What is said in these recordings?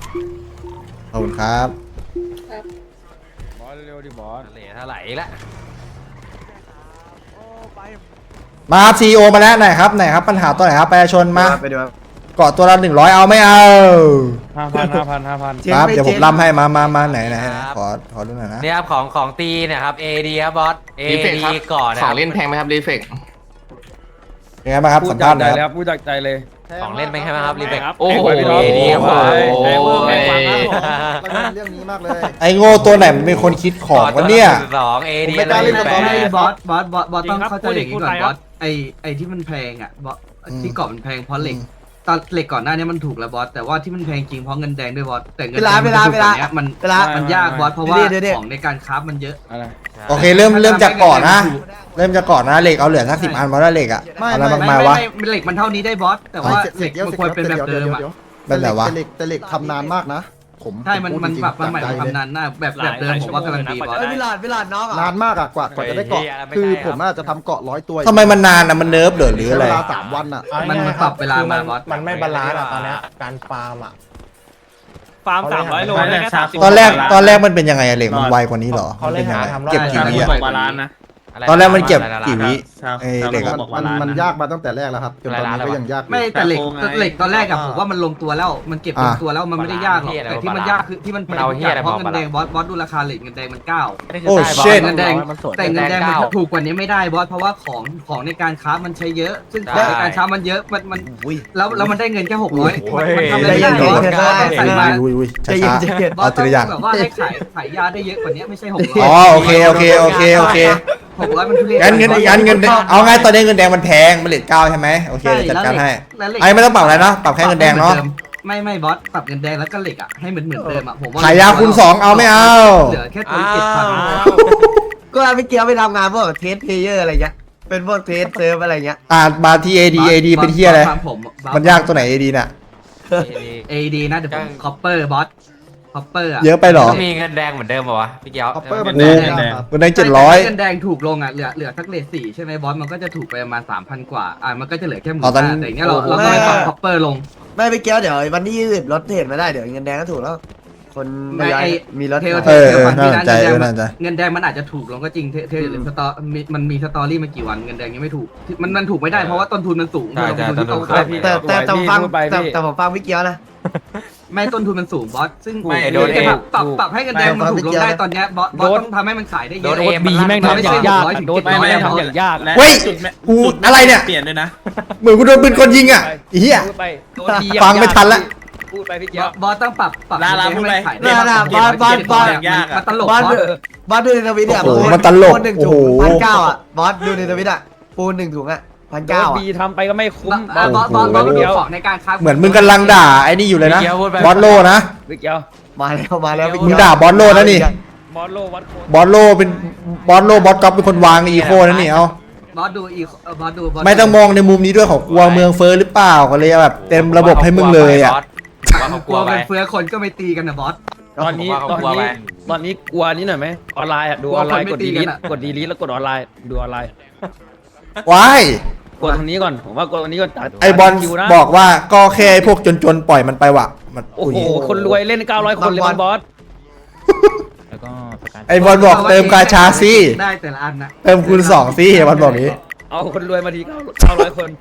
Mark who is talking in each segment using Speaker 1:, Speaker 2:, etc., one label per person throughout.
Speaker 1: ขอบคุณครับ
Speaker 2: บอสเร็วดิบอส
Speaker 3: เหลือเท่าไหร่ละ
Speaker 1: มาครับซีโอมาแล้วไหนครับปัญหาตัวไหนครับประชาชนมา
Speaker 4: ไปดูครับ
Speaker 1: เกาะตัวละ100เอาไม่เอา
Speaker 2: 5,000
Speaker 1: ครับเดี๋ยวผมล่ำให้มาไหนขอดูหน่อยนะ
Speaker 3: เนี่ยครับของตีเนี่ยครับ AD ครับบอส AD ก่อนนะ
Speaker 5: ของเล่นแพงไหมครับรีเฟก
Speaker 1: ยังไงบ้างครับ
Speaker 2: พูด
Speaker 1: สัม
Speaker 2: จา
Speaker 1: ภาก ษณ์ห
Speaker 2: ใจ
Speaker 1: น่อย
Speaker 2: เลย
Speaker 1: ค
Speaker 2: ครับ รับพูดจากใจเลย
Speaker 3: ของเล่นเป็นไงบ้างครับรีเฟก
Speaker 5: โอ้โห
Speaker 3: AD ครับบอส
Speaker 4: เรื่องนี้มากเลย
Speaker 1: ไอ้โง่ตัวไหนมันเป็นคนคิดของวะเนี่ย
Speaker 3: 2 AD
Speaker 4: ผมไม่กล้าเล่นกับ
Speaker 3: แป
Speaker 4: ตอนนี้
Speaker 3: ด
Speaker 6: บอสต้องเข้าใจอย่างนี้ก่อนบอสไอที่มันแพงอ่ะบอสที่เกาะมันแพงเพราะเหล็กตอนเหล็กก่อนหน้านี้มันถูกแล้วบอสแต่ว่าที่มันแพงจริงเพราะเงินแดงด้วยบอสแต่เงินแดงมันยากบอสเพราะว่าของในการคราฟมันเยอะ
Speaker 2: อะไร
Speaker 1: โอเคเริ่มจากก่อนนะเหล็กเอาเหลือสัก10 อันเพราะว่าเหล็กอะอะไรมากมายวะ
Speaker 6: ไม่เหล็กมันเท่านี้ได้บอสแต่ว่าเหล็กมันควรเป็นแบบเดิมอ่ะ
Speaker 1: เป็นแบบวะ
Speaker 4: แต่เหล็กทำนานมากนะผม
Speaker 6: ใช่มัน
Speaker 4: พูดจริงๆ
Speaker 6: ปรับมาใหม่
Speaker 4: จากใจ
Speaker 6: ทำนานหน้าแบบเดิมผมว่ากำลังดีบอส
Speaker 7: วิลาดน้อง
Speaker 4: นานมากอะกว่าจะได้เกาะคือผมอาจจะทำเกาะ100 ตัว
Speaker 1: ทำไมมันนานอะมันเนิร์ฟหรืออะไร
Speaker 4: เวลา3 วันอะ
Speaker 6: มันปรับเวลามาบอส
Speaker 7: มันไม่บาลานซ์อะตอนเนี้ยการฟาร์มอะ
Speaker 8: ฟาร์ม300 โลได้แค่30
Speaker 1: ตอนแรกมันเป็นยังไงอะเหล็กมันไวกว่านี้เหรอมันเป็นยังไงเก็บกี่วิอะ
Speaker 8: บาลานซ์นะ
Speaker 1: ตอนแรกมันเก็บกี่วิไอ้เหล็กอะ
Speaker 4: มันยากมาตั้งแต่แรกแล้วครับจนตอนนี้ก็ยังยากอยู่
Speaker 6: ไม่แต่เหล็กตอนแรกอะผมว่ามันลงตัวแล้วมันเก็บลงตัวแล้วมันไม่ได้ยากหรอกแต่ที่มันยากคือที่มันเพราะเงินแดงบอสดูราคาเหล็กเงินแดงมัน9
Speaker 1: โอ้เช่น
Speaker 6: เงินแดงแต่เงินแดงมันถูกกว่านี้ไม่ได้บอสเพราะว่าของในการค้ามันใช้เยอะ ซึ่งของในการค้ามันเยอะมันแล้วมันได้เงินแค่600มันทำอะไรไม่ได้บอสใส่มา
Speaker 1: อุ้ยช้าๆ
Speaker 6: บอ
Speaker 1: เอา
Speaker 6: ส
Speaker 1: ทีละอย่าง
Speaker 6: แบบว่าให้ขายยาได้เยอะกว่านี้ไม่ใช่600
Speaker 1: อ๋อโอเค
Speaker 6: 600มันทุเรศ
Speaker 1: งั้นเอาไงตอนนี้เงินแดงมันแพงมันเลท9ใช่ไหมโอเคจัดการให้ไอ้ไม่ต้องปรับอะไรเนาะปรับแค่เงินแดงเนาะ
Speaker 6: ไม่บอสปรับเงินแดงแล้วก็เหล็กอ่ะให้เหมือนเดิมอ่ะผมว่า
Speaker 1: ขายยาคูณ2เอาไม่เอา
Speaker 6: เหลือแค่ตัว7,000
Speaker 7: ก็ไม่เกี่ยวไปทำงานพวกเทสเพลเยอร์อะไรเงี้ยเป็นพวกเทสเซิร์ฟอะไรเงี้ย
Speaker 1: มาที่ AD เป็นเที่ยอะไรมันยากตัวไหน AD น่ะ
Speaker 6: AD นะเดี๋ยวผมคอปเปอร์บอสคอปเปอร์อ่ะ
Speaker 1: เยอะไปหรอ
Speaker 3: มีเงินแดงเหมือนเดิมป่าวะพี่เกียว
Speaker 4: คัพเปอร์มัน
Speaker 1: โอ้
Speaker 4: แดงครับ
Speaker 1: เงินแดง
Speaker 6: เงินแดงถูกลงอ่ะเหลือสักเลท4ใช่ไหมบอสมันก็จะถูกไปประมาณ 3,000 กว่ามันก็จะเหลือแค่15,000แต่อย่างเงี้ยเราก็เลยปรับคอปเปอร์ลง
Speaker 7: ไม่ไปเกี่ยวเดี๋ยววันที่20รถเห็นไม่ได้เดี๋ยวเงินแดงก็ถูกแล้ว คนมีรถ
Speaker 6: เทล
Speaker 1: น่าสนใจ
Speaker 6: เงินแดงมันอาจจะถูกลงก็จริงเทลสตอมันมีสตอรี่มากี่วันเงินแดงยังไม่ถูกมันถูกไม่ได้เพราะว่าต้นทุนมันสูงที่ต้อง
Speaker 7: แต่ผมฟังพี่เกี่ยวนะ
Speaker 6: ไม่ต้นทุนมันสูงบอสซึ่ง
Speaker 3: ไม่โดนเอ
Speaker 6: ปรับให้เงินแดงมันถูกลงได้ตอนเนี้ยบอสต้องทำให้มันขายได้เย
Speaker 3: โด
Speaker 6: อะ
Speaker 3: นเอ
Speaker 2: บีแม่งทำอย่างยากโดนแม่งทำอย่างยาก
Speaker 1: เฮ้ยกูอะไรเนี่ย
Speaker 8: เปลี่ยนด้วยนะ
Speaker 1: เหมือนกูโดนปืนคนยิงอ่ะเฮียฟังไม่ทันละ
Speaker 2: พูดไปพี่เกียว
Speaker 6: บอสต้องปรับให้มันขายได้ มันตลก
Speaker 7: บอสดูในทวิตเนี่ย1 ถุง1,900อ่ะบอสดูในทวิตอ่ะปูน1 ถุงอ่ะ
Speaker 2: โดนบีทำไปก็ไม่คุ้ม
Speaker 6: บอสดูของในการค้า
Speaker 1: เหมือนมึงกำลังด่าไอ้นี่อยู่เลยนะบอสโลนะ
Speaker 2: พี่เกียว
Speaker 7: มาแล้ว
Speaker 1: มึงด่าบอสโลนะนี่
Speaker 2: บอลโลวัดโคน
Speaker 1: บอสโลเป็นบอสก๊อฟเป็นคนวางอีโคนะนี่เอา
Speaker 6: บอสดูอีกบอสดู
Speaker 1: ไม่ต้องมองในมุมนี้ด้วยของกลัวเมืองเฟ้อหรือเปล่าก็เลยแบบเต็มระบบให้มึงเลยอ่ะ
Speaker 3: ว่าเขา
Speaker 6: ก
Speaker 3: ก
Speaker 6: ลั
Speaker 3: ลั
Speaker 6: ว
Speaker 3: วไป
Speaker 6: เงินเฟ้อคนก็ไม่ตีกันนะบอส
Speaker 2: ตอนนี้กลัวนี้หน่อยไหมออนไลน์อ่ะดูออนไลน์กดดีลิทแล้วกดออนไลน์ดูออนไลน์
Speaker 1: ว้าย
Speaker 2: กดตรงนี้ก่อนผมว่ากดตรงนี้ก่อน
Speaker 1: ไอบอลบอกว่าก็แค่ไอ้พวกจนๆปล่อยมันไปว่ะมัน
Speaker 2: โอ้โหคนรวยเล่น900 คนเลยบอส
Speaker 1: ไอบอลบอกเติมกาชาสิ
Speaker 6: ได้แต่ละอันนะ
Speaker 1: เติมคูณ2สิบอลบอกนี้
Speaker 2: เอาคนรวยมาที900 คน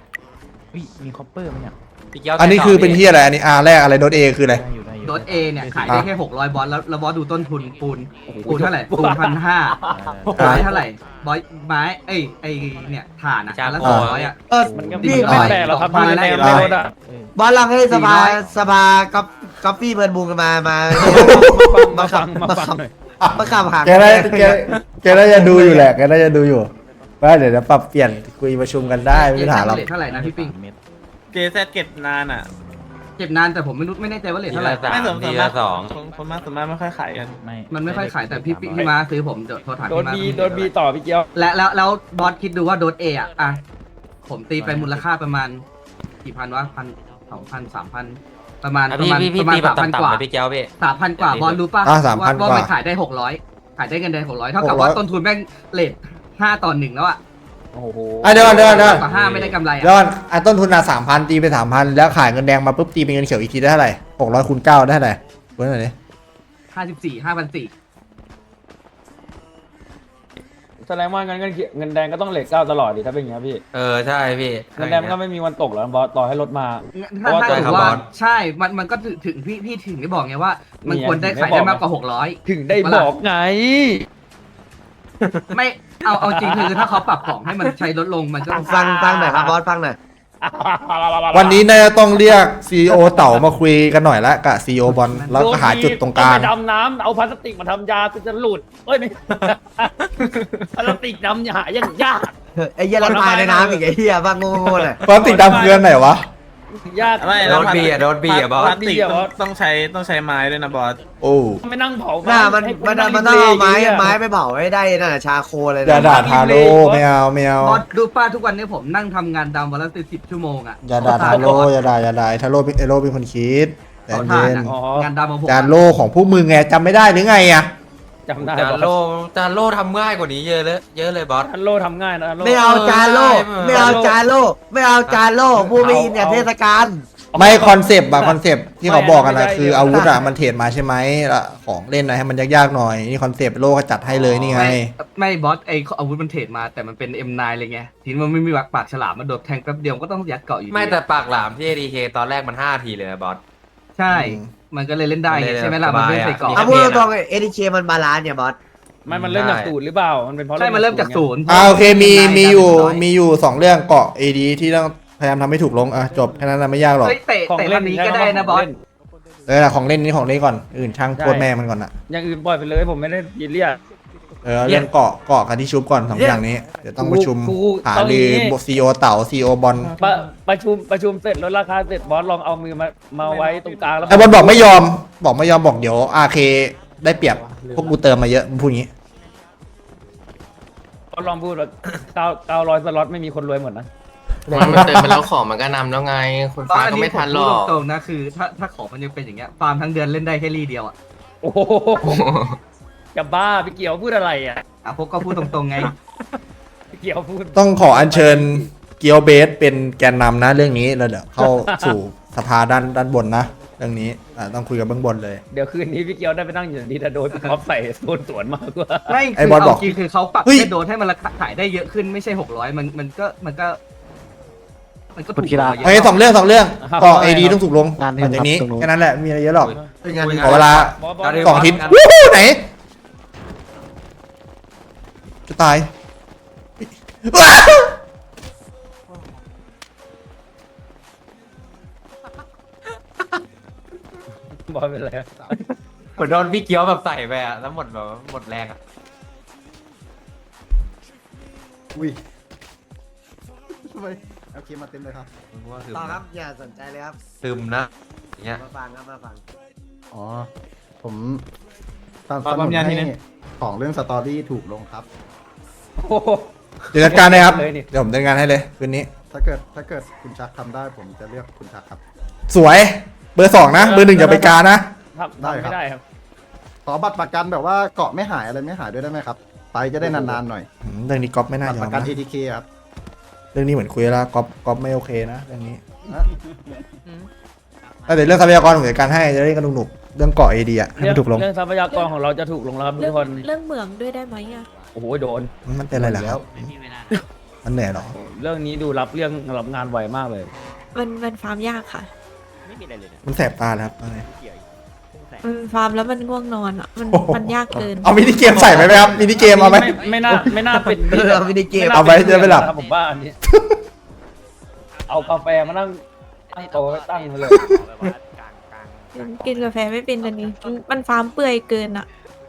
Speaker 3: พี่เกียว
Speaker 1: อันนี้คือเป็นที่อะไรอันนี้แรกอะไรโดดเอคืออะไร
Speaker 6: โดสเอเนี่ยขายได้แค่600บอสแล้วบอสดูต้นทุนปูนเท่าไหร่ปูน1,500ไม้เท่าไหร่บอสไม้ไอ้เนี่ยถ่านอ่ะแล้ว200อ่ะ
Speaker 2: มันก็ไม่แปลกหรอกครับในในรถอ่ะ
Speaker 7: บอสลองให้สภาก๊อปปี้เบิร์นบูมกันมา
Speaker 2: มาฟังหน่อย
Speaker 7: มาขับหาง
Speaker 1: แกน่าจะดูอยู่แหละแกน่าจะดูอยู่ว่าเดี๋ยวปรับเปลี่ยนคุยประชุมกันได้ไม่มีปัญหาหรอก
Speaker 6: เท่าไหร่นะพี่ปิง
Speaker 8: เจแซเก็บนานอ่ะ
Speaker 6: เก็บนานแต่ผมไม่แน่ใจว่าเลทเท่าไหร่
Speaker 8: ไม่สม
Speaker 3: ที
Speaker 8: มา
Speaker 3: ละ
Speaker 8: ก
Speaker 3: 2
Speaker 8: คนมากสมมากไม่ค่อยขายกัน
Speaker 6: มันไม่ค่อยขายแต่พี่มาซื้อผมเดี๋ยวโทรถาม
Speaker 2: โด
Speaker 6: พี่
Speaker 2: น
Speaker 6: มา
Speaker 2: บีต่อพี่เกียว
Speaker 6: แล้วบอสคิดดูว่าโดสเอ่ะผมตีไปมูลค่าประมาณกี่พันวะ1,000 2,000 3,000ประมาณ
Speaker 3: พี่ตีแบบ
Speaker 6: 3,000 กว่า
Speaker 3: ต่ำๆพี่เกียวพี่
Speaker 6: 3,000 กว่าบอลรู้ป่ะ
Speaker 1: 3,000
Speaker 6: ว่ามันขายได้600ขายได้เงินแดง600เท่ากับว่าต้นทุนแม่งเลท5/1แล้วอ่ะ
Speaker 2: โอ้โห
Speaker 1: เดี๋ยว
Speaker 6: ต่อ5ไม่ได้กำไร
Speaker 1: แล้วต้นทุน3,000ตีไป3,000แล้วขายเงินแดงมาปุ๊บตีเป็นเงินเขียวอีกทีได้เท่าไหร่600 คูณ 9ได้เท่าไหร่เว้ยหน่อยดิ
Speaker 6: 54,5,400
Speaker 2: แสดงว่าเงินแดงก็ต้องเลทเก้าตลอดดิถ้าเป็นอย่างนี้พี่
Speaker 3: ใช่พี่
Speaker 2: เงินแดงมันก็ไม่มีวันตกหรอกบอสต่อให้รถมา
Speaker 6: ถ้า
Speaker 2: เพราะว่า
Speaker 6: ถือว่า
Speaker 3: บอส
Speaker 6: ใช่ มันก็ถึงพี่ถึงได้บอกไงว่า มันควรได้ขายได้มากกว่า600
Speaker 2: ถึงได้บอกไง
Speaker 6: ไม่เอาจริงคือถ้าเขาปรับของให้มันใช้ลดลงมันก็
Speaker 7: ฟังหน่อยครับบอสฟังหน่อย
Speaker 1: วันนี้น่าจะต้องเรียกซีโอเต่ามาคุยกันหน่อยละกับซีโอบอลแล้วก็หาจุดตรงกลาง
Speaker 2: ไปดำน้ำเอาพลาสติกมาทำยาก็จะหลุดเอ้ยไม่ พลาสติกดำยายังยาก
Speaker 7: ไอ้เหี้ยละลายในน้ำอีกไอ้เหี้ยบ้างโง่ๆน่ะ
Speaker 1: พลาสติกดำเกลือนไหนวะ
Speaker 2: ยาก
Speaker 8: ไม่
Speaker 3: โดนบีอ่ะบอ
Speaker 8: พ
Speaker 3: ส
Speaker 8: ลาสติกต้องใช้ไม้ด้วยนะบอส
Speaker 1: โอ้
Speaker 2: ไม่นั่งเผา
Speaker 7: หน้ามัน
Speaker 2: ให้
Speaker 7: ต้องเอาไม้ไปเผาให้ได้น่ะชาโคเลย
Speaker 1: อย่า
Speaker 7: นะ
Speaker 1: ด่าทาโร่ไม่เอา
Speaker 6: บอสดูป้าทุกวันนี้ผมนั่งทำงานดำวันละ10 ชั่วโมงอ่ะ
Speaker 1: อย่าด่าทาโร่อย่าด่าทาโร่ไอโร่เป็นคนคิดแต่
Speaker 6: ขอ
Speaker 1: เย็
Speaker 6: ทาน
Speaker 1: น
Speaker 6: อะงานดำของผม
Speaker 1: จานโล่ของพวกมึงไงจำไม่ได้หรือไงอ่ะ
Speaker 2: จำได้
Speaker 3: จานโล่ทำง่ายกว่านี้เยอะเลยบอส
Speaker 2: ทันโลทำง่ายนะทันโล
Speaker 7: ไม่เอาจานโลไม่เอาจานโลไม่เอาจานโลผู้ไม่อินเนี่ยเทศกาล
Speaker 1: ไม่คอนเซปต์อะคอนเซปต์ที่เขาบอกกันนะคืออาวุธอะมันเทรดมาใช่ไหมแล้วของเล่นนะให้มันยากๆหน่อยนี่คอนเซปต์โลก็จัดให้เลยนี่ไง
Speaker 6: ไม่บอสไออาวุธมันเทรดมาแต่มันเป็น M9 เลยไงทีนี้มันไม่มีปากฉลามมาโดดแทงแป๊บเดียวก็ต้องยัดเกาะอยู่ดี
Speaker 3: ไม่แต่ปากหลามที่ ADK ตอนแรกมัน5ทีเลยนะบอส
Speaker 6: ใช่ มันก็เลยเล่นได้ไงใช่ไหมล่ะมันไม่ใส่เกาะ
Speaker 3: มี
Speaker 7: เอาพูดตรงๆเอทีเคมันบาลานซ์เนี่ยบอส
Speaker 2: ไม่มันเริ่มจากศูนย์หรือเปล่ามันเป็นเพราะ
Speaker 6: ใช่มันเริ่มจากศูนย์
Speaker 1: โอเคมีอยู่สองเรื่องเกาะ AD ที่ต้องพยายามทำให้ถูกลงอ่ะจบแค่นั้นนะไม่ยากหรอก
Speaker 6: เฮ้ยเตะ
Speaker 2: ของ
Speaker 6: เตะ
Speaker 2: เล่
Speaker 6: อั
Speaker 2: น
Speaker 6: นนี้ก็ได้นะบอส
Speaker 1: ของเล่นนี่ของเล่นก่อนอื่นช่างโคตรแม่มันก่อนอะ
Speaker 2: อย่างอื่นปล่อยไปเลยผมไม่ได้ยินเรียก
Speaker 1: เรื่องเกาะกันที่ชุบก่อนสองอย่างนี้เดี๋ยวต้องประชุม
Speaker 2: กู
Speaker 1: หาลือซีโอเต่าซีโอบอล
Speaker 2: ประชุมเสร็จลดราคาเสร็จบอสลองเอามือมาไว้ตรงกลางแล้ว
Speaker 1: ไอบอลบอกไม่ยอมบอกเดี๋ยว RK ได้เปรียบพวกกูเติมมาเยอะมึงพูดงี้
Speaker 2: บอสลองพูดว่า900 สล็อตไม่มีคนรวยหมดนะ
Speaker 5: มันเติมไปแล้วของมันก็นำแล้วไงคนฟ้าก็ไม่ทันหรอก
Speaker 6: ตรงๆนะคือถ้าของมันยังเป็นอย่างเงี้ยฟาร์มทั้งเดือนเล่นได้แค่รีเดียวอ่ะ
Speaker 2: โอ้โหจะบ้าพี่เกียวพูดอะไรอ่ะ
Speaker 6: พวกก็พูดตรงๆไง
Speaker 2: พี่เกียวพูด
Speaker 1: ต้องขออัญเชิญเกียวเบสเป็นแกนนำนะเรื่องนี้แล้วเดี๋ยวเข้าสู่สภาด้านบนนะเรื่องนี้ต้องคุยกับเบื้องบนเลย
Speaker 2: เดี๋ยวคืนนี้พี่เกียวได้ไปนั่งอยู่ดีแต่โดนพร้อมใส่โดนสวนมากกว่า
Speaker 6: ไม่
Speaker 1: ไอ้
Speaker 6: คือบ
Speaker 1: อลบอก
Speaker 6: เอาจริงคือเขาปรับ
Speaker 1: เฮ้ย
Speaker 6: แค่โดนให้มันราคาขายได้เยอะขึ้นไม่ใช่600มันก็ถูกกว่าเยอะ
Speaker 1: โอเคสองเรื่องเกาะ AD ต้องถูกลงหลังจากนี้แค่นั้นแหละมีอะไรเยอะหรอก ขอเวลา 2 อาทิตย์วู้หูไหนจะตายว้าว
Speaker 2: บอสเป็นไร
Speaker 3: เหมือนโดนพี่เกียวแบบใส่ไปอ่ะแล้วหมดแรงอ่ะ
Speaker 4: อุ้ยทำไมโอเคมาเต็มเลยครับ
Speaker 7: ต่อครับอย่าสนใจเลยครับ
Speaker 3: ซึมนะอย่างเงี้ย
Speaker 7: มาฟังครับมาฟัง
Speaker 4: อ๋อผมสนับสนุนให้ของเรื่องสตอรี่ถูกลงครับ
Speaker 2: โอ้โห
Speaker 1: เดี๋ยวจัดการเลยครับ
Speaker 2: เลยนี่
Speaker 1: เดี๋ยวผมจัดการให้เลยคืนนี้
Speaker 4: ถ้าเกิดคุณชักทำได้ผมจะเรียกคุณชักครับ
Speaker 1: สวยเบอร์ 2นะเบอร์ 1อย่าไปกานะ
Speaker 2: ทำไม่ได้ครับ
Speaker 4: ขอบัตรประกันแบบว่าเกาะไม่หายอะไรไม่หายด้วยได้ไหมครับ ไปจะได้นานๆหน่อย
Speaker 1: เรื่องนี้ก๊อฟไม่น่า
Speaker 4: บัต
Speaker 1: ย
Speaker 4: ร
Speaker 1: อ
Speaker 4: ป
Speaker 1: ม
Speaker 4: ระกัน
Speaker 1: นะ
Speaker 4: ATK ครับ
Speaker 1: เรื่องนี้เหมือนคุยแล้วก๊อฟไม่โอเคนะเรื่องนี้
Speaker 4: นะ
Speaker 1: แต่เรื่องทรัพยากรผมจัดการให้จะได้กันหนุกๆเรื่องเกาะ ADให้มันถูกลง
Speaker 2: เรื่องทรัพยากรของเราจะถูกลงแล้วครับทุกคน
Speaker 9: เรื่องเหมืองด้วยได้ไหมอ่ะ
Speaker 2: โอ้โหโดน
Speaker 1: มันเป็นอะไรเหรอครับมันเหนื่อยเหรอ
Speaker 2: เรื่องนี้ดูรับงานไวมากเลย
Speaker 9: มันฟาร์มยากค่ะ
Speaker 1: มันแสบตาแล้วครับอะไร
Speaker 9: มันฟาร์มแล้วมันง่วงนอนอ่ะ มันยากเกิน
Speaker 1: เอามินิเกมใส่ไหมครับมินิเกมเอาไหม
Speaker 2: ไม่น่าเป็น
Speaker 7: เอามินิเกม
Speaker 1: เอาไว้จะไม่หลับ
Speaker 2: ผมว่าอันนี้ เอากาแฟมานั่งโต๊ะตั้งเลย
Speaker 9: กินกาแฟไม่เป็นอันนี้ มันฟาร์มเปื่อยเกินอ่ะ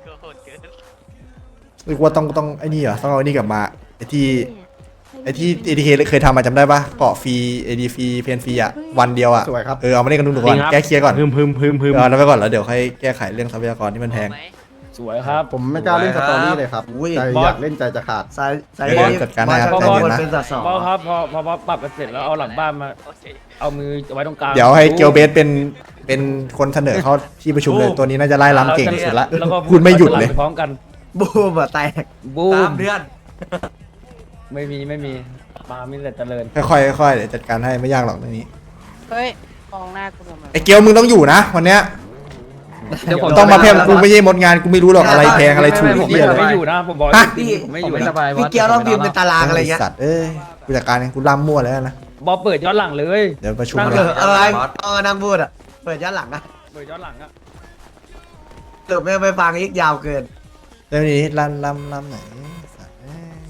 Speaker 1: นึกว่าต้องไอ้นี่เหรอต้องเอาไอ้นี่กลับมาไอ้ที่ ATK เคยทำมาจำได้ปะเกาะฟรี AD ฟรีเพนฟรีอะวันเดียวอะ
Speaker 4: สวยครับ
Speaker 1: เอามาเล่นกันดูก่อนแก้เคลียร์ก่อน
Speaker 2: พึม
Speaker 1: เอาแล้วไปก่อนแล้วเดี๋ยวค่อยแก้ไขเรื่องทรัพยากรที่มันแพง
Speaker 2: สวยครับ
Speaker 4: ผมไม่กล้าเล่นสตอรี่เลยครับ
Speaker 7: อุ้ย
Speaker 4: ใจอยากเล่นใจจะขาด
Speaker 7: สายสาย
Speaker 1: เดี๋ยวจัดการให้ครับ
Speaker 7: บอ
Speaker 1: ใจ
Speaker 7: ส
Speaker 1: เย็นนะ
Speaker 7: เป็นสัตว์สอง
Speaker 2: พอครับพอปรับกันเสร็จแล้วเอาหลังบ้านมา เอามือไว้ตรงกลาง
Speaker 1: เดี๋ยวให้เกียวเบสเป็นคนเสนอเข้าที่ประชุมเลยตัวนี้น่าจะไล่ล้ำเก่งที่สุดละ
Speaker 2: แล้วก็
Speaker 1: พูดไม่หยุดเลย
Speaker 2: ไปพร้อมกัน
Speaker 7: บูมอะแตก
Speaker 2: บู
Speaker 3: ตาม มเดือน
Speaker 2: ไม่มีมามีแต่เจริญ
Speaker 1: ค่อยๆเดี๋ยวจัดการให้ไม่ยากหรอกเรื่องนี้
Speaker 10: เฮ้ยมองหน้ากูทำไม
Speaker 1: ไอ้เกียวมึงต้องอยู่นะวันเนี้ย
Speaker 3: อ
Speaker 2: เดี๋ยวผม
Speaker 1: ต้องมาแพงกูไม่ใช่มดงานกูไม่รู้หรอกอะไรแพงอะไรถูก
Speaker 2: ผม
Speaker 1: เหี้ยอะไร
Speaker 2: ไม่อยู่นะผมบอก
Speaker 1: ฮะ
Speaker 2: ผมไม่อยู่
Speaker 7: พี่
Speaker 2: นะ
Speaker 7: พี่เกียวต้องพิมพ์เป็นตารางอะไรเงี้ย
Speaker 1: สัตว์เอ้ยกูจัดการเองกูล่ำมั่วแล้วนะ
Speaker 2: บอเปิดย้อนหลังเลย
Speaker 1: เดี๋ยวประชุม
Speaker 2: นั่ง
Speaker 1: เล
Speaker 2: เลย ย
Speaker 7: อะไรนั่งพูดอ่ะเปิดย้อนหลังอ่ะ
Speaker 2: เปิดย้อนหลังอะ
Speaker 7: หรือไม่ไปฟังอีกยาวเกิน
Speaker 1: เรื่องนี้ล่ำไหนสัตว์เอ้ย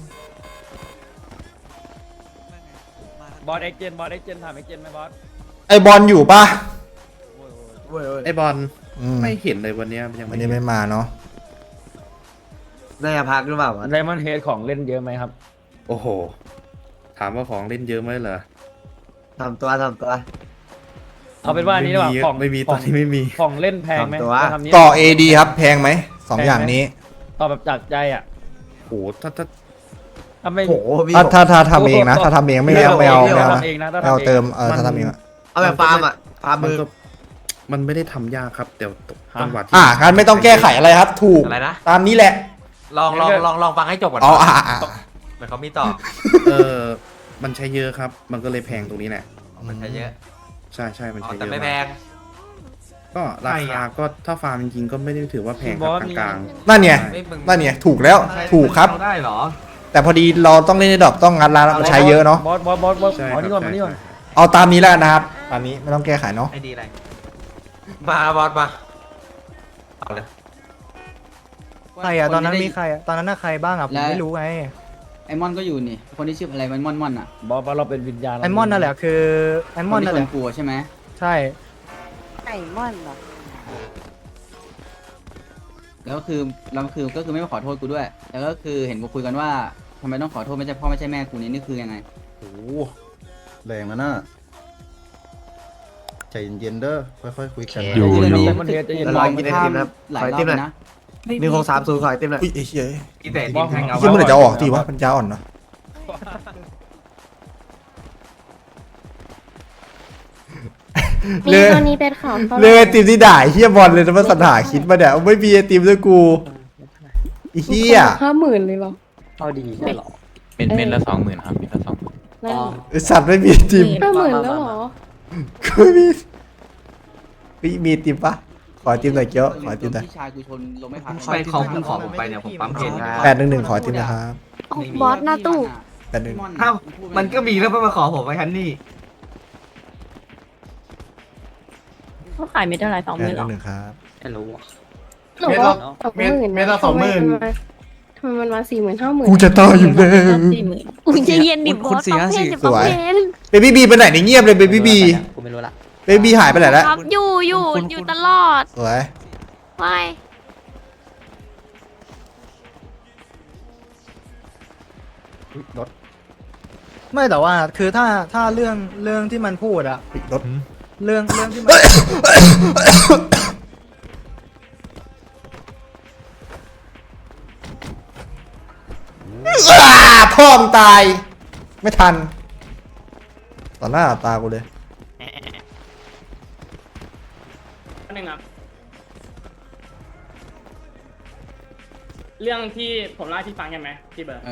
Speaker 2: บอสเอ็กเจนถามเอ็กเจนไหมบอส
Speaker 1: ไอบอลอยู่ปะ
Speaker 10: ไอบอล
Speaker 1: อืม
Speaker 10: ไม่เห็นเลยวันเนี้ยยัง
Speaker 1: วั
Speaker 10: ไม่
Speaker 1: น
Speaker 10: เห็
Speaker 1: นี้
Speaker 10: น
Speaker 1: ไม่มาเนาะ
Speaker 7: น่าจะพักหรือเปล่าวะ
Speaker 2: ไดมอนด์เฮดของเล่นเยอะไหมครับ
Speaker 10: โอ้โห ถามว่าของเล่นเยอะไหมเหรอ
Speaker 7: ทำตัว
Speaker 2: เอาเป็นว่าอันนี้ดีกว่าของ
Speaker 10: ไม่มีตอนนี้ไม่มี
Speaker 2: ของเล่นแพงไหม
Speaker 7: ทำตัว
Speaker 2: จะทำนี้
Speaker 1: ต่อ AD ครับแพงไหมสองอย่างนี้
Speaker 2: ต่อแบบจากใจอ่ะ
Speaker 10: โหถ้า
Speaker 2: ถ้าไม่
Speaker 7: โอ้โหพี่
Speaker 1: ถ้าทำเองนะถ้าทำเองไม่เอาไม่เอา
Speaker 2: ถ้า
Speaker 1: นะ
Speaker 2: ทำเองนะถ้า
Speaker 1: ไม่เอา
Speaker 2: ทำเอง
Speaker 1: เติมถ้าทำเองอะ
Speaker 7: เอาแบบฟาร์มอ่ะฟาร์ม
Speaker 10: มัน
Speaker 7: มือ
Speaker 10: ก็มันไม่ได้ทำยากครับแต่จังหวะที่
Speaker 1: งั้นไม่ต้องแก้ไขอะไรครับ ถูก
Speaker 3: อะไรนะ
Speaker 1: ตามนี้แหละ
Speaker 3: ลองฟังให้จบก่อน
Speaker 1: อ๋อ
Speaker 3: เหมือนเขามีต่อ
Speaker 10: มันใช้เยอะครับ มันก็เลยแพงตรงนี้แหละ
Speaker 3: มันใช้เยอะ
Speaker 10: ใช่มัน
Speaker 3: อ๋อ
Speaker 10: ใช้เย
Speaker 3: แต่
Speaker 10: อะ
Speaker 3: ไม่แพง
Speaker 10: ก็ราคาก็ถ้าฟาร์มจริงๆก็ไม่ได้ถือว่าแพงครับกลาง
Speaker 1: นั่นไง
Speaker 3: ไม่มึง
Speaker 1: นั่นไงถูกแล้วถูกครับ
Speaker 6: เอาได้เหรอ
Speaker 1: แต่พอดีเราต้องเล่นในดอกต้องงัดร้านมันใช้เยอะเนาะ
Speaker 2: บอส
Speaker 10: ๆใช่
Speaker 2: อ๋อ
Speaker 10: ค
Speaker 2: นี่
Speaker 10: รั
Speaker 2: ก่อนมานี่ก่อน
Speaker 1: เอาตามนี้แล้วกันนะครับตามนี้ไม่ต้องแก้ไขเนาะ
Speaker 6: ไอดีอะไร
Speaker 3: มาบอสมาเอาเลย
Speaker 11: ใครอ่ะตอนนั้นมีใครอ่ะตอนนั้นน่ะใครบ้างอ่ะผมไม่รู้ไง
Speaker 12: ไอมอนก็อยู่นี่ คนที่ชื่ออะไรมันม่อนอ่ะ
Speaker 2: บอสเราเป็นวิญญาณ
Speaker 11: ไอมอนนั่นแหละคือไอมอนนั่นแห
Speaker 12: ค
Speaker 11: ละ
Speaker 12: กลัวใช่ไหม
Speaker 11: ใช่
Speaker 9: ไก่ม่อนเหรอ
Speaker 12: แล้วก็คือก็คือไม่มาขอโทษกูด้วย แล้วก็คือเห็นกูคุยกันว่าทำไมต้องขอโทษไม่ใช่พ่อไม่ใช่แม่กูนี่คือยังไง
Speaker 4: โอ้โหแรงนะน่ะใจเย็นๆเด้อค่อยๆคุยกัน
Speaker 12: อยู่
Speaker 2: ไดมอนด์เฮดจะเย็น
Speaker 7: ละลอยกินไอติมนะครับ
Speaker 12: หลาย
Speaker 7: ขอไอ
Speaker 12: รอ
Speaker 7: ติ
Speaker 12: บ
Speaker 7: มหน่อย
Speaker 12: นะ
Speaker 7: 1630ขอไอติมหน่อย
Speaker 1: อุ้ยไอ้เหี้ย
Speaker 6: อีแต่ดินแทงเอา
Speaker 1: เหี้ยเมื่อไหร่จะออกทีวะปัญญาอ่อนเนาะ เลย
Speaker 9: ตอนนี้เป็นข่าว
Speaker 1: เลยไอติมที่ด่าไอ้เหี้ยบอลเลยนะมันสัญหาคิดมาเนี่ยไม่มีไอติมด้วยกูไอ้เหี้ย
Speaker 9: 50,000เลยเหรอ
Speaker 2: เอาดีใช่หรอ
Speaker 3: เป็นละ20,000ครับเป็นละ20,000
Speaker 9: นั่น
Speaker 1: ไอสัตว์ไม่มีไอติม
Speaker 9: 50,000แล้วเหรอ
Speaker 1: กูไม่มีมีไอติมปะขอไอติมหน่อยเกี้ยวขอไอติมหน่อย
Speaker 12: พี่ชายกูชนลงไม่พัก
Speaker 6: ไปเขาเพิ่งขอผมไปเนี่ยผมปั๊มเพจ
Speaker 1: 811ขอไอติมนะครับ
Speaker 9: บอสหน้าตู้
Speaker 1: 811
Speaker 6: อ้าวมันก็มีแล้วมาขอผมไปคันนี่
Speaker 9: เขาขายไม่เท่าไหร่20,000หรอ
Speaker 1: 811ครับ
Speaker 2: ไม่รู้อ่ะ
Speaker 9: หนูว่า20,000
Speaker 4: เมตรละ20,000
Speaker 9: ทำไมมันมา40,000 50,000
Speaker 1: กูจะตายอยู่แล้ว
Speaker 9: 40,000อุ้ยใจเย็นดิบอสต้องเพนดิ
Speaker 1: สวย
Speaker 9: ต้องเพน
Speaker 1: เบบี้บีไปไหนเนี่ยเงียบเลยเบบี้บี
Speaker 3: กูไม่รู้ละ
Speaker 1: เบบี้บีหายไปไหนแล้ว
Speaker 9: ครับอยู่ตลอด
Speaker 1: สวย
Speaker 9: ไม่
Speaker 4: รถ
Speaker 11: ไม่แต่ว่าคือถ้าเรื่องที่มันพูดอะ
Speaker 1: ปิดรถ
Speaker 11: เรื่องที่มัน
Speaker 1: พ่อมงตาย ไม่ทัน ต่อหน้าต่อตากูเลย
Speaker 8: นึงครับ เรื่องที่ผมเล่าให้พี่ฟังใช่ไหมพี่เบิร์ด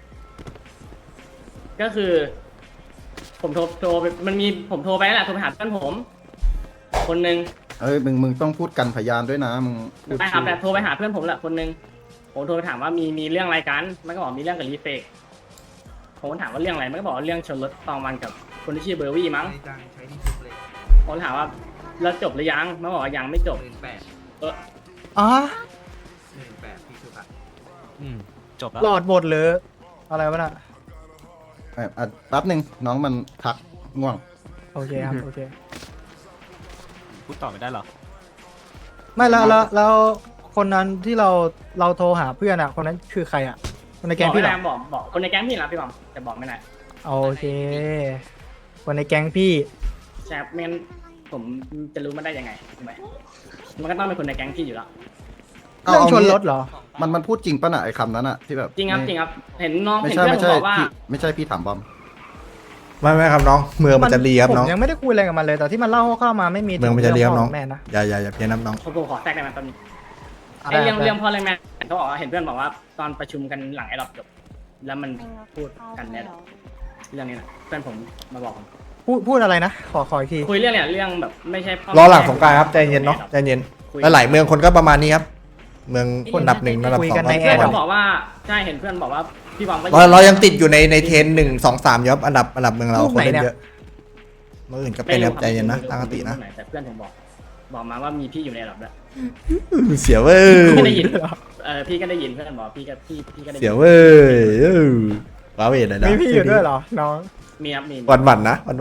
Speaker 8: ก็คือ ผมโทรไปมันมีผมโทรไปนั่นแหละโทรไปหาเพื่อนผม คนนึง
Speaker 4: เอ้ยมึงต้องพูดกันพยานด้วยนะมึงพูด
Speaker 8: ใช่ครับแต่โทรไปหาเพื่อนผมแหละคนนึงผมโทรไปถามว่ามีเรื่องอะไรกันมันก็บอกมีเรื่องกับรีเฟกผมก็ถามว่าเรื่องอะไรมันก็บอกว่าเรื่องชนรถตองวันกับคนที่ชื่อเบอร์วี่มั้ง
Speaker 6: ใช้ที่ซุกเลย
Speaker 8: ผมถามว่าแล้วจบหรือยังมันบอกว่ายังไม่จบ
Speaker 6: 18,000
Speaker 11: อ๋อ
Speaker 6: 18,000พี่ซุกอะ
Speaker 3: จบแล้ว
Speaker 11: หลอดบทหรืออะไรวะน่ะ
Speaker 4: แป๊บหนึ่งน้องมันพักง่วง
Speaker 11: โอเคครับโอเค
Speaker 3: พูดต่อไม่ได้หรอ
Speaker 11: ไม่แล้วคนนั้นที่เราโทรหาเพื่อนอะคนนั้นคือใครอะคนในแก๊งพี่เหรอ
Speaker 8: บอกคนในแก๊งพี่นะพี่บอมแต่บอกไม่ได้
Speaker 11: โอเค คนในแก๊งพี่
Speaker 8: ใช่ครับไม่งั้นผมจะรู้มันได้ยังไงถูกไหมมันก็ต้องเป็นคนในแก๊งพี่อยู่แล้ว
Speaker 11: เรื่องชนรถเหรอ
Speaker 4: มันพูดจริงป่ะน่ะไอ้คำนั้นอ่ะที่แบบ
Speaker 8: จริงครับจริงครับเห็นน้อง
Speaker 4: ไม่
Speaker 8: เห็น
Speaker 4: ใช่
Speaker 8: เพื่อน
Speaker 4: ไม่
Speaker 8: ผม
Speaker 4: ใช่
Speaker 8: บอกว่า
Speaker 4: พี่ไม่ใช่พี่ถามบอม
Speaker 1: ไม่ครับน้อง เมืองมันจะรีครับ
Speaker 11: ผม
Speaker 1: น้อง
Speaker 11: ยังไม่ได้คุยอะไรกับมันเลยแต่ที่มันเล่าเข้ามาไม่มี
Speaker 1: เมืองมันจะรีครับน้อง
Speaker 11: แม่นะ
Speaker 1: อย่าเพี้ยนน้ำน้อง
Speaker 8: ผมขอแทรกได้ไหมตอนนี้ไอ้เรื่องพ่อเรื่องแม่เขาบอกว่าเห็นเพื่อนบอกว่าตอนประชุมกันหลังไอ้รอบจบแล้วมันพูดกันเนี่ยเรื่องนี้นะเพื่อนผมมาบอกผม
Speaker 11: พูดอะไรนะขออีกที
Speaker 8: คุยเรื่องเนี่ยเรื่องแบบไม่ใช่พ่อ
Speaker 1: รอหลังสงกรานต์ครับใจเย็นเนาะใจเย็น
Speaker 8: คุย
Speaker 1: หลายๆเมืองคนก็ประมาณนี้ครับ เมืองอันดับ 1อันดับ
Speaker 11: คุย
Speaker 1: 2
Speaker 11: กันใน
Speaker 8: เพื่อน
Speaker 11: แอ
Speaker 8: เขา
Speaker 11: ร์
Speaker 8: บอกว่าใช่เห็นเพื่อนบอกว่าพี่บอมก็
Speaker 1: เรายังติดอยู่ในเทรน1 2 3ยับอันดับเมืองเราคนเล่นเยอะเมื่ออื่นก็เป็นครับใจเย็นนะตั้งสตินะ
Speaker 8: แต่เพื่อนผมบอกมาว่ามีพี่อยู่ในระดับด้วย
Speaker 1: เสียเว้ย
Speaker 8: พี่ได้ยินพี่ก็ได้ยินเพื่อนบอกพี่ก็ได้ยิน
Speaker 1: เสียเว้ยว้าเวทเลยนะ
Speaker 11: มีพี่อยู่ด้วยเหรอน้อง
Speaker 8: มีครับมี
Speaker 1: วันๆนะวัน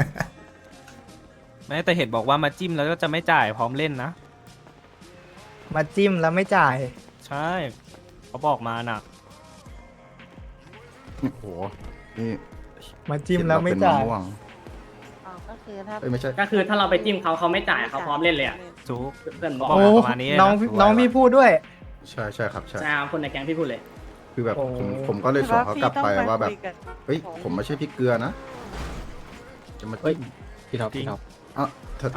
Speaker 2: ไม่แต่เห็นบอกว่ามาจิ้มแล้วก็จะไม่จ่ายพร้อมเล่นนะ
Speaker 11: มาจิ้มแล้วไม่จ่าย
Speaker 2: ใช่เขาบอกมาน่ะ
Speaker 4: โอ้โหนี่
Speaker 11: มาจิ้มแล้วไม่จ่าย
Speaker 4: เห็นเรเป็นมะม่วง
Speaker 9: ก็คือถ้า
Speaker 4: เอ้ยไม่ใช่
Speaker 8: ก็คือถ้าเราไปจิ้มเขาไม่จ่ายเขาพร้อมเล่นเลยอ่ะ
Speaker 2: จุก
Speaker 8: เพื่อนบอก
Speaker 11: โอ้
Speaker 2: ประมาณนี้นะ
Speaker 11: น้องพี่พูดด้วย
Speaker 4: ใช่ใช่ครับใช่
Speaker 8: ใช่คนในแก๊งพี่พูดเลย
Speaker 4: คือแบบ
Speaker 11: โอ้
Speaker 4: ผมก็เลยสอนเขากลับไปว่าแบบเฮ้ยผมไม่ใช่พริกเกลือนะจะมาจิ้ม
Speaker 3: พี่ท็อปพี่ท็อป
Speaker 4: อ่ะเธอ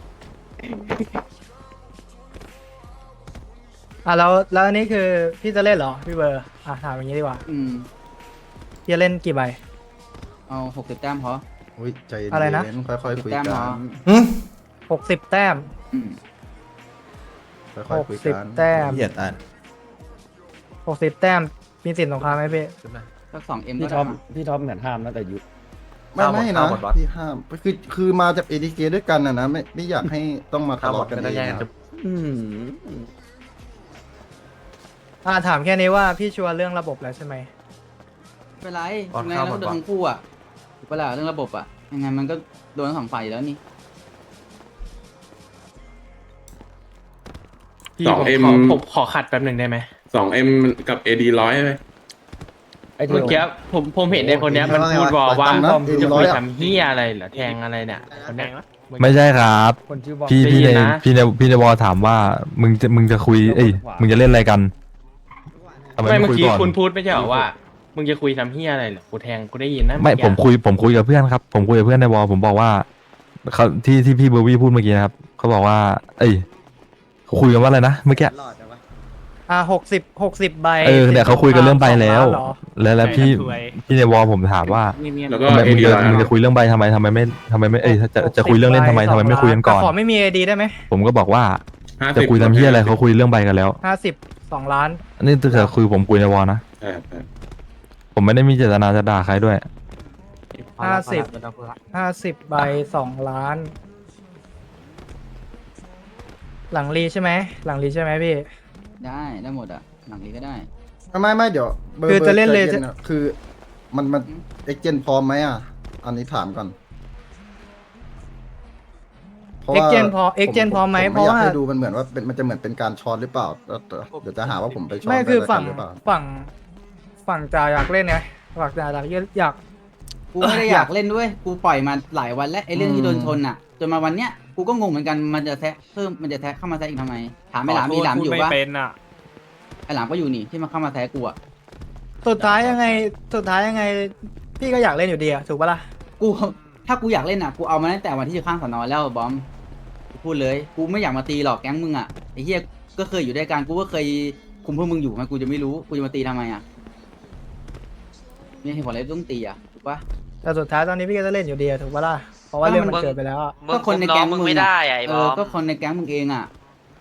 Speaker 11: แล้วอันนี้คือพี่จะเล่นเหรอพี่เบอร์ถามอย่างนี้ดีกว่า พี่จะเล่นกี่ใบ
Speaker 12: เอา60 แต้มพอ
Speaker 4: อุ้ยใจเย็น
Speaker 11: อะไรนะ
Speaker 4: ค่อยๆคุย
Speaker 12: แต้ม
Speaker 4: กั
Speaker 12: เหรอ
Speaker 4: น
Speaker 11: 60 แต้ม
Speaker 12: อืม
Speaker 4: ค่อยๆคุยกัน
Speaker 11: 60 แต้ม
Speaker 1: ๆเหยียดอ่ะ
Speaker 11: 60 แต้มมีสินสงครามไหมพี่
Speaker 12: สัก2M
Speaker 2: พี่
Speaker 12: ก็
Speaker 2: ท็อป
Speaker 12: ได้
Speaker 2: พี่ท็อปเหมือนห้ามนะแต่ยุ
Speaker 4: ไม่นะพี่ห้ามคือมาจาก ADK ด้วยกันนะไม่อยากให้ต้องมาทะเลาะกันเองนะ
Speaker 11: ถามแค่นี้ว่าพี่ชัวร์เรื่องระบบแล้วใช่ไหม
Speaker 12: ไม่เป็นไรยังไงเราก็โดนทั้งคู่อ่ะถูกปะล่ะเรื่องระบบอ่ะยังไงมันก็โดนทั้งสองฝ่ายอยู่แล้วนี่
Speaker 5: 2M
Speaker 2: ผมขอขัดแป๊บหนึ่งได้ไหม
Speaker 5: 2M กับ AD 100ไหม
Speaker 2: ไอ้เมื่อกี้ผมเห็นในคนเนี้ยมันพูดว่าจะคุยทำเฮียอะไรเหรอแทงอะไรเนี่ยคนเนี้ย
Speaker 13: ไม่ใช่ครับ
Speaker 2: คนชื่อบอม
Speaker 13: พี่ใน
Speaker 2: นะ
Speaker 13: พี่ในวอลถามว่ามึงจะคุยมึงจะเล่นอะไรกันทำไม
Speaker 2: ไม่
Speaker 13: ไม่
Speaker 2: เมื่อ
Speaker 13: คุย
Speaker 2: กี้
Speaker 13: ก่อน
Speaker 2: คุณพูดไม่ใช่เหรอว่ามึงจะคุยทำเฮียอะไรเหรอกูแทงกูได้ยินนะ
Speaker 13: ไม่ผมคุยกับเพื่อนครับ ผมคุยกับเพื่อนในวอลผมบอกว่าเขาที่พี่เบอร์วี่พูดเมื่อกี้นะครับเขาบอกว่าเขาคุยกันว่าอะไรนะเมื่อกี้
Speaker 11: 60 ใบ
Speaker 13: เนี่ยเขาคุยกันเรื่องใบแล้ว
Speaker 11: เหรอ
Speaker 13: แล้วพี่ในวอลผมถามว่า
Speaker 5: แล้วก็
Speaker 13: ทำไม
Speaker 5: AD 100
Speaker 13: มึงจะคุยเรื่องใบทำไมไม่จะคุยเรื่องเล่นทำไมไม่คุยกันก่อน
Speaker 11: แต่ขอไม่มี AD ได้ไหม
Speaker 13: ผมก็บอกว่าจะคุยทำเฮียอะไรเขาคุยเรื่องใบกันแล้ว
Speaker 11: 52 ล้าน
Speaker 13: อันนี้ถ้าเกิดคุยผมคุยในวอลนะผมไม่ได้มีเจตนาจะด่าใครด้วย
Speaker 11: 50 ใบ 2 ล้าน หลังรีใช่ไหมพี่
Speaker 12: ได้หมดอ่ะหลังนี้ก็ได้
Speaker 4: ไม่เดี๋ยว
Speaker 11: คือจะเล่นเลย
Speaker 4: ใจนะคือมันเอ็กเจนพร้อมไหมอ่ะอันนี้ถามก่อนพราะว่า
Speaker 11: Exchange พร้อมไหม
Speaker 4: ผ
Speaker 11: เพราะว่า
Speaker 4: อยกให้ดูมันเหมือนว่ามันจะเหมือนเป็นการช้อนหรือเปล่าแล้วเดี๋ยวจะหาว่าผมไปช้อน
Speaker 11: ไม่คือ
Speaker 4: กันหรือเปล่า
Speaker 11: ฝั่งจ่าอยากเล่นไงฝั่งจ่าอยาก
Speaker 12: กูไม่ได้อยากเล่นด้วยกูปล่อยมาหลายวันแล้วไอ้เรื่องที่โดนชนอ่ะจนมาวันเนี้ยกูก็งงเหมือนกันมันจะแทะเข้ามาแทะอีกทำไมถามไอ้หลามอยู่ปะไอ้หลามก็อยู่นี่ที่มาเข้ามาแทะกูอ่ะ
Speaker 11: สุดท้ายยังไงพี่ก็อยากเล่นอยู่ดีอะถูกปะล่ะ
Speaker 12: ถ้ากูอยากเล่นอ่ะกูเอามาตั้งแต่วันที่อยู่ข้างสน.แล้วบอมกูพูดเลยกูไม่อยากมาตีหรอกแก๊งมึงอ่ะไอ้เหี้ยก็เคยอยู่ด้วยกันกูก็เคยคุมพวกมึงอยู่มันกูจะไม่รู้กูจะมาตีทำไมอ่ะมีเหตุผลอะไรต้องตีอ่ะถูกปะ
Speaker 11: แต่สุดท้ายตอนนี้พี่ก็จะเล่นอยู่ดีอะถูกปะล่ะเพราะว่าเรื่องมันเกิดไปแล้วอะ
Speaker 12: ก็คนในแก๊งมึงไม่ได้ไอ้บอมก็คนในแก๊งมึงเองอ่ะ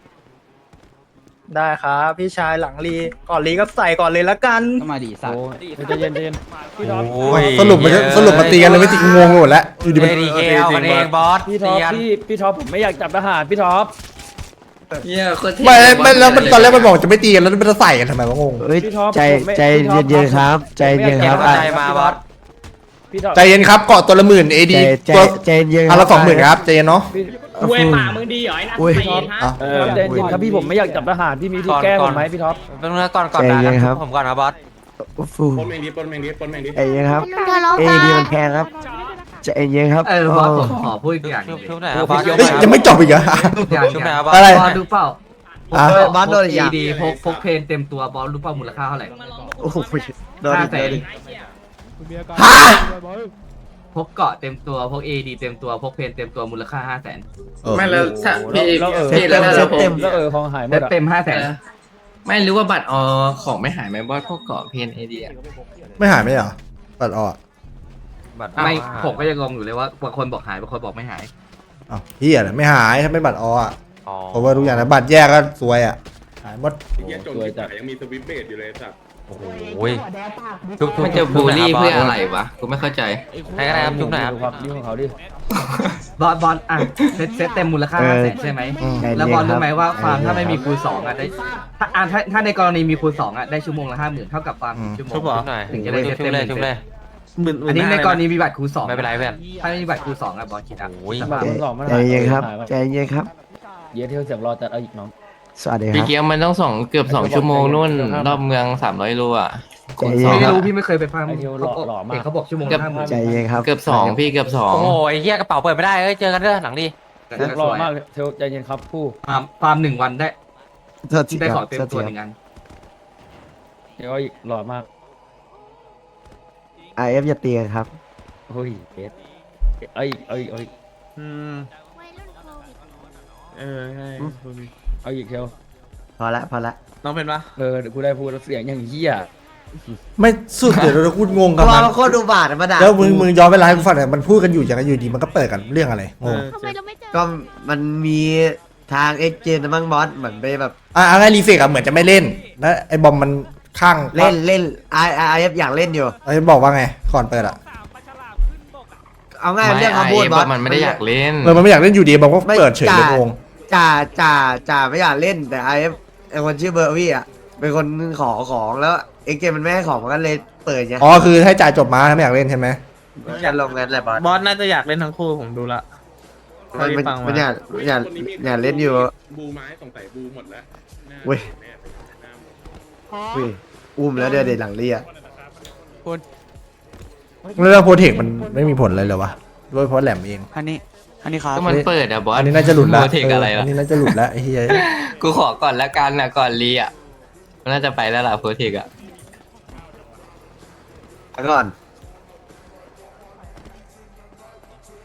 Speaker 11: ได้ครับพี่ชายหลังรีก่อนรีก็ใส่ก่อนเลยละกัน
Speaker 12: ก็มาดีสัตว์
Speaker 2: ใจเย็นพี่ท็อป
Speaker 1: สรุปมาตีกันเลยไม่ตีงงไปหมดแล้วอยู่ดีมัน
Speaker 3: ADK เอากันเองบอส
Speaker 2: พี่ท็อปพี่ท็อปผมไม่อยากจับทหารพี่ท็อป
Speaker 1: ไม่แล้วมันตอนแรกมันบอกจะไม่ตีกันแล้วมันจะใส่กันทำไมวะงง
Speaker 2: พี่ท็อป
Speaker 13: ใจเย็นๆครับใจเย็นครับ
Speaker 3: ใจมาบอส
Speaker 2: พี่ท็อป
Speaker 1: ใจเย็นครับเกาะตัวละ10,000 AD ตัว
Speaker 13: ใจเย็น
Speaker 1: อันละ20,000ครับใจเย็นเนาะ
Speaker 8: คุยปากมึงดีเหรอไอ้นั่นไปฮะ
Speaker 2: ใจเย็นครับพี่ผมไม่อยากจับทหารพี่มีที่แก้ผมไหมพี่ท็อป
Speaker 3: เป็นเรื่องก่อนด่ากันผมก่อนนะบอส
Speaker 5: ปนแมงดิ
Speaker 13: ใจเย็นครับดีมันแพงครับใจเย็นครับ
Speaker 6: บอสผมขอพูดอีกอย่างหนึ่ง
Speaker 3: ชุบไหนบอส
Speaker 1: เฮ้ยยังไม่จบอีกเหรอ
Speaker 3: ชุบไหนบอส
Speaker 1: อะไร
Speaker 6: บอสรู้เปล่า
Speaker 7: บอสโดนอีกอย่าง
Speaker 6: ดีพกเพนเต็มตัวบอสรู้เปล่ามูลค่าเท่าไหร่
Speaker 7: โอ้โหโดนอีก
Speaker 6: 500,000
Speaker 1: ฮะ
Speaker 6: พกเกาะเต็มตัวพก AD เต็มตัวพกเพนเต็มตัวมูลค่า 500,000
Speaker 5: ไม่แล้วพี่
Speaker 11: แล้ว
Speaker 2: ของหายหม
Speaker 6: เซ็
Speaker 2: ด
Speaker 6: ต
Speaker 2: อ่ะ
Speaker 6: เต็ม 500,000
Speaker 5: ไม่รู้ว่าบัตรของไม่หายไหมบอสพวกเกาะเพน AD อ่ะ
Speaker 1: ไม่หายไหมเหรอปัดออก
Speaker 6: ไม่ผมก็ยังงงอยู่เลยว่าบางคนบอกหายบางคนบอกไม่หาย
Speaker 1: อ้าวเฮียไม่หายถ้าไม่บัตรออ่ะเพราะว่าทุกอย่างนะบัตรแยกก็สวยอ่ะหายหมด
Speaker 2: สวยจัด
Speaker 10: ยังมีสวิปเบดอยู่เลยสัตว์
Speaker 3: โอ้โห
Speaker 5: มันจะบูลลี่เพื่ออะไรวะ กูไม่เข้าใจ
Speaker 3: ใครก็ได้ครับจุ๊บหน่อยครับ
Speaker 2: ครับยุ่งของเขาดิ
Speaker 6: บอสอ่ะเซตเต็มมูลค่า500,000ใช่ไหมแล้วบอสรู้ไหมว่าฟาร์มถ้าไม่มีคูณ2อ่ะได้ถ้าในกรณีมีคูณ2อ่ะได้ชั่วโมงละ 50,000เท่ากับฟาร์ม1ชั่วโมง
Speaker 3: จุ๊บหน่อย
Speaker 6: ถึงจะได้เซต
Speaker 3: จุ๊
Speaker 6: เต็
Speaker 3: บ
Speaker 6: ม
Speaker 3: เลยจุ๊บเลย
Speaker 6: อันนี้ในกรณีมีบัตรคูณ2
Speaker 3: ไม่เป็นไรเพื่อน
Speaker 6: ถ้าไม่มีบัตรคูณ2อ่ะบอสคิดอ่ะ
Speaker 3: โอ้ย
Speaker 2: บาทมันสองมัน
Speaker 7: ใจเย็นครับใจเย็นครับ
Speaker 2: เยอะเที่ยวเสียบรอจัดเอาอีกน้อง
Speaker 7: สวัสดีค
Speaker 5: พี่
Speaker 7: รับ
Speaker 5: เกียร์มันต้องเกือบ2 ชั่วโมงนู่น รอบเมือง300 โลอ่ะ
Speaker 7: ใจเย็น
Speaker 6: ไม่
Speaker 7: ครับ
Speaker 6: รู้พี่ไม่เคยไปฟาร์ม
Speaker 2: ไอเที่ยวหล่อมาก
Speaker 6: เขาบอกชั่วโมงละ50,000
Speaker 7: ใจเย็นครับ
Speaker 5: เกือบ2พี่เกือบ
Speaker 3: โอ้โหไอ้เหี้ยกระเป๋าเปิดไม่ได้เอ้ยเจอกันเด้อหลังดี
Speaker 2: หล่อมากเที่ยวใจเย็นครับผู้
Speaker 6: ฟาร์ม1 วันได้
Speaker 7: โทษที
Speaker 6: ได้
Speaker 7: ค
Speaker 6: ข
Speaker 7: รั
Speaker 6: อบ เต็ม
Speaker 7: โทษ
Speaker 6: ตัว
Speaker 7: ที
Speaker 6: หนึ่งอัน
Speaker 2: เที่ยวอีกหล่อมาก
Speaker 7: IF อย่าตีกันครับ
Speaker 2: เฮ้ยเบสเอ้ย
Speaker 10: ใช่
Speaker 2: เอาอีกเที่ยว
Speaker 7: พอละพอละ
Speaker 10: น้องเป็นปะ
Speaker 2: เดี๋ยวกูได้พูดแล้วเสียงอย่างเหี้ย
Speaker 1: ไม่สุดเดี๋ยวเราพูดงงกับ
Speaker 7: ตัว
Speaker 1: มัน
Speaker 7: มันโคตรดูบาดมาด่า
Speaker 1: แล้วมึงย้อนเวลาให้กูฟังหน่อยมันพูดกันอยู่อย่างไรอยู่ดีมันก็เปิดกันเรื่องอะไรงง
Speaker 7: ก็มันมีทางเอ็กเจนมั้งบอสเหมือนไปแบบ
Speaker 1: ไงรีเฟกอะเหมือนจะไม่เล่นแล้วไอ้บอมมันข้าง
Speaker 7: เล่นIF อยากเล่นอยู่
Speaker 1: ไอ้บอกว่าไงก่อนเปิดอะ
Speaker 7: เอา
Speaker 5: ๆ
Speaker 7: ง่าย
Speaker 5: ไม่
Speaker 7: เรื่อง
Speaker 5: ไอ้
Speaker 7: คำพูดบอส
Speaker 5: มันไม่ได้อยากเล่น
Speaker 1: มันไม่อยากเล่นอยู่ดีบอมก็เปิดเฉยเลยงง
Speaker 7: จ่าไม่อยากเล่นแต่ IF ไอคนชื่อเบอร์วี่อ่ะเป็นคนขอของแล้วเอ็กเจนมันไม่ให้ของมันก็เลยเปิดไง
Speaker 1: อ๋อคือให้จ่ายจบมาไม่อยากเล่นใช่ไหม
Speaker 7: จะลงงั้นแหละบอส
Speaker 10: บอสน่าจะอยากเล่นทั้งคู่ผมดูละ
Speaker 7: มันอยากเล่นอยู่
Speaker 10: บูไม้สงสัยบูหมดแล้ว
Speaker 7: เว้ย อุ้ยอุ้มแล้วเดี๋ยวหลังเรีย
Speaker 1: แล้วเรื่องโปรเทคมันไม่มีผลอะไรเลยวะด้วยเพราะแหลมเอง
Speaker 12: อันนี้ครับ
Speaker 5: ก็มันเปิดอะบอส
Speaker 1: อันนี้น่าจะหลุดแล้ว
Speaker 5: โปรเทคอะไร
Speaker 1: อั
Speaker 5: ล่ะ
Speaker 1: นนี้น่าจะหลุดแล้วไอ้เหี้ย
Speaker 5: กูขอก่อนละกันนะก่อนรีอ่ะมันน่าจะไปแล้วล่ะโปรเทคอ่ะ
Speaker 7: แล้วก่อน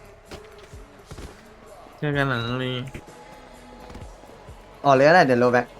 Speaker 10: เจอกันหลังนี้
Speaker 7: อ๋อเลยอะไรเดี๋ยวโลแบ็ก